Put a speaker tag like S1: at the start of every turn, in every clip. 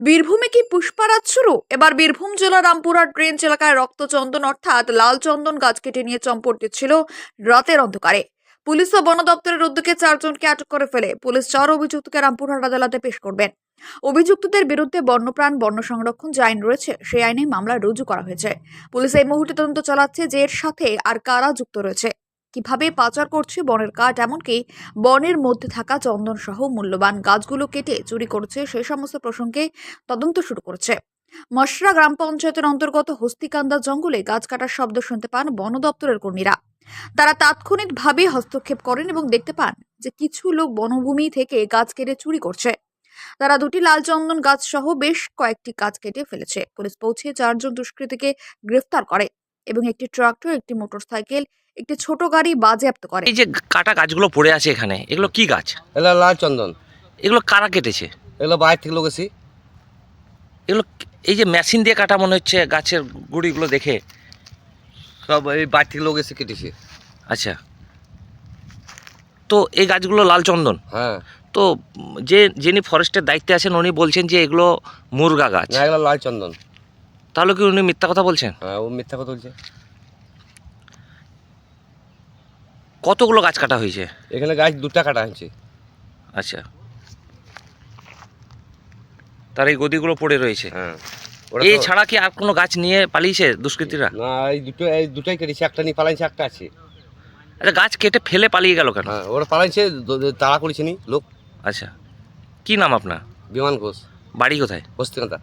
S1: বীরভূমে কি পুষ্পারাজ শুরু? এবার বীরভূম জেলার রামপুরহাট রেঞ্জ এলাকায় রক্তচন্দন অর্থাৎ লাল চন্দন গাছ কেটে নিয়ে চম্পট দিচ্ছিল রাতের অন্ধকারে। পুলিশ ও বন দপ্তরের উদ্যোগে 4 জনকে আটক করে ফেলে পুলিশ। 4 অভিযুক্তকে রামপুরহাট আদালতে পেশ করবেন। অভিযুক্তদের বিরুদ্ধে বন্যপ্রাণ বন্য সংরক্ষণ যে আইন রয়েছে সেই আইনে মামলা রুজু করা হয়েছে। পুলিশ এই মুহূর্তে তদন্ত চালাচ্ছে যে এর সাথে আর কারা যুক্ত রয়েছে, কিভাবে পাচার করছে বনের কাঠ, এমনকি বনের মধ্যে থাকা চন্দন সহ মূল্যবান গাছগুলো কেটে চুরি করছে সেই সমস্ত প্রসঙ্গে তদন্ত শুরু করেছে। মশরা গ্রাম পঞ্চায়েতের অন্তর্গত হস্তিকান্দা জঙ্গলে গাছ কাটার শব্দ শুনতে পান বন দপ্তরের কর্মীরা। তারা তাৎক্ষণিকভাবে হস্তক্ষেপ করেন এবং দেখতে পান যে কিছু লোক বনভূমি থেকে গাছ কেটে চুরি করছে। তারা 2টি লাল চন্দন গাছ সহ বেশ কয়েকটি গাছ কেটে ফেলেছে। পুলিশ পৌঁছে 4 জন দুষ্কৃতীকে গ্রেফতার করে এবং একটি ট্রাক্টর, একটি মোটরসাইকেল, একটি ছোট গাড়ি বাজেয়াপ্ত করে।
S2: এই যে কাটা গাছগুলো পড়ে আছে এখানে, এগুলো কি গাছ?
S3: এগুলো লাল চন্দন।
S2: এগুলো কারা কেটেছে?
S3: এগুলো বাইরে থেকে লোক এসি।
S2: এগুলো এই যে মেশিন দিয়ে কাটা মনে হচ্ছে গাছের গুঁড়িগুলো দেখে।
S3: সব এই বাইরে থেকে লোক এসে কেটেছে।
S2: আচ্ছা, তো এই গাছগুলো লাল চন্দন।
S3: হ্যাঁ,
S2: তো যিনি ফরেস্টের দায়িত্বে আছেন উনি বলছেন যে এগুলো মুরগা গাছ।
S3: না এগুলো লাল চন্দন।
S2: তাহলে কি উনি মিথ্যা কথা বলছেন?
S3: হ্যাঁ, ও মিথ্যা কথা বলছে।
S2: কতগুলো গাছ কাটা হয়েছে?
S3: এখানে গাছ 2টা কাটা হয়েছে।
S2: আচ্ছা, তার এই গদিগুলো পড়ে রয়েছে।
S3: হ্যাঁ,
S2: এই ছাড়া কি আর কোনো গাছ নিয়ে পালিয়েছে দুষ্কৃতীরা?
S3: না, এই দুটোই কেটেছে। একটা নিয়ে পালাইছে, একটা আছে।
S2: আচ্ছা, গাছ কেটে ফেলে পালিয়ে গেল কেন?
S3: হ্যাঁ, ওরা পালাইছে, তাড়া করেছে নি লোক।
S2: আচ্ছা, কি নাম আপনার?
S3: বিমান ঘোষ,
S2: বাড়ি কোথায়?
S3: হস্তিকান্দা।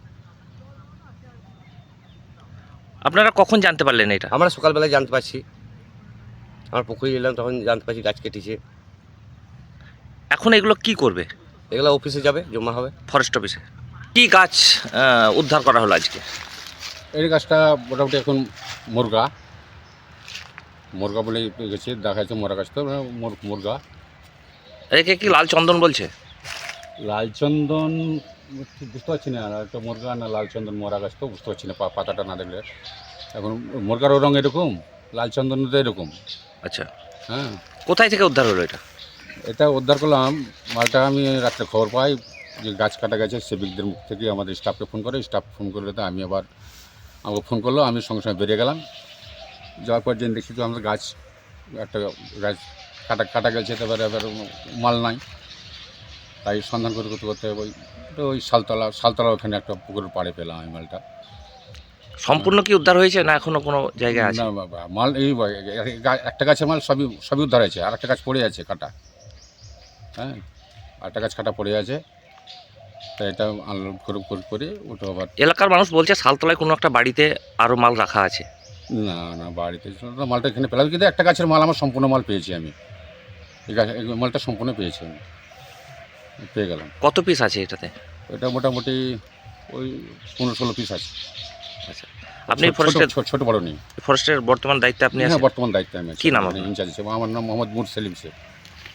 S2: আপনারা কখন জানতে পারলেন এটা?
S3: আমরা সকালবেলায় জানতে পারছি। আমার পুকুরে এলাম, তখন জানতে পারছি গাছ কেটেছে।
S2: এখন এগুলো কি করবে?
S3: এগুলো অফিসে যাবে, জমা হবে।
S2: ফরেস্ট অফিসে। কি গাছ উদ্ধার করা হলো আজকে?
S4: এই গাছটা মোটামুটি এখন মুরগা মুরগা বলে গেছে, দেখা যাচ্ছে মরা গাছ তো মুরগা।
S2: একে কি লাল চন্দন বলছে?
S4: লালচন্দন ঠিক বুঝতে পারছি না, আর একটা মুরগা না লালচন্দন মরা গাছ তো বুঝতে পারছি না পাতাটা না দেখলে। এখন মুরগারও রঙ এরকম, লালচন্দন তো এরকম।
S2: আচ্ছা,
S4: হ্যাঁ,
S2: কোথায় থেকে উদ্ধার হলো এটা?
S4: এটা উদ্ধার করলাম মালটা। আমি রাত্রে খবর পাই যে গাছ কাটা গেছে, সেবিকদের মুখ থেকে আমাদের স্টাফকে ফোন করে। স্টাফ ফোন করলে তো আমি আবার আমাকে ফোন করলো, আমি সঙ্গে সঙ্গে বেরিয়ে গেলাম। যাওয়ার পর জেনে দেখি তো আমাদের গাছ একটা গাছ কাটা গেছে, তারপরে এবার মাল নাই। তাই সন্ধান করতে করতে করতে ওই শালতলা ওখানে একটা পুকুরের পাড়ে পেলাম আমি মালটা।
S2: সম্পূর্ণ কি উদ্ধার হয়েছে না এখনো কোনো জায়গায় আছে?
S4: না বাবা, মাল এই একটা গাছের মাল সবই উদ্ধার হয়েছে, আর একটা গাছ পড়ে আছে কাটা। হ্যাঁ, আরেকটা গাছ কাটা পড়ে আছে, তাই এটা আনলোড করে ওটা আবার।
S2: এলাকার মানুষ বলছে শালতলায় কোনো একটা বাড়িতে আরও মাল রাখা আছে।
S4: না না, বাড়িতে মালটা এখানে পেলাম, কিন্তু একটা গাছের মাল আমার সম্পূর্ণ মাল পেয়েছি আমি। এই মালটা সম্পূর্ণ পেয়েছি আমি, পেয়ে গেলাম।
S2: কত পিস আছে এটাতে?
S4: এটা মোটামুটি ওই 15-16 পিস আছে।
S2: আচ্ছা, আপনি ফরেস্টের
S4: ছোট বড় নেই।
S2: ফরেস্টের বর্তমান দায়িত্বে আপনি
S4: হ্যাঁ,
S2: আছেন?
S4: বর্তমান দায়িত্বে আমি আছি।
S2: কি নাম আপনার?
S4: ইনচার্জ হিসেবে আমার নাম মোহাম্মদ মুর সেলিম শেখ।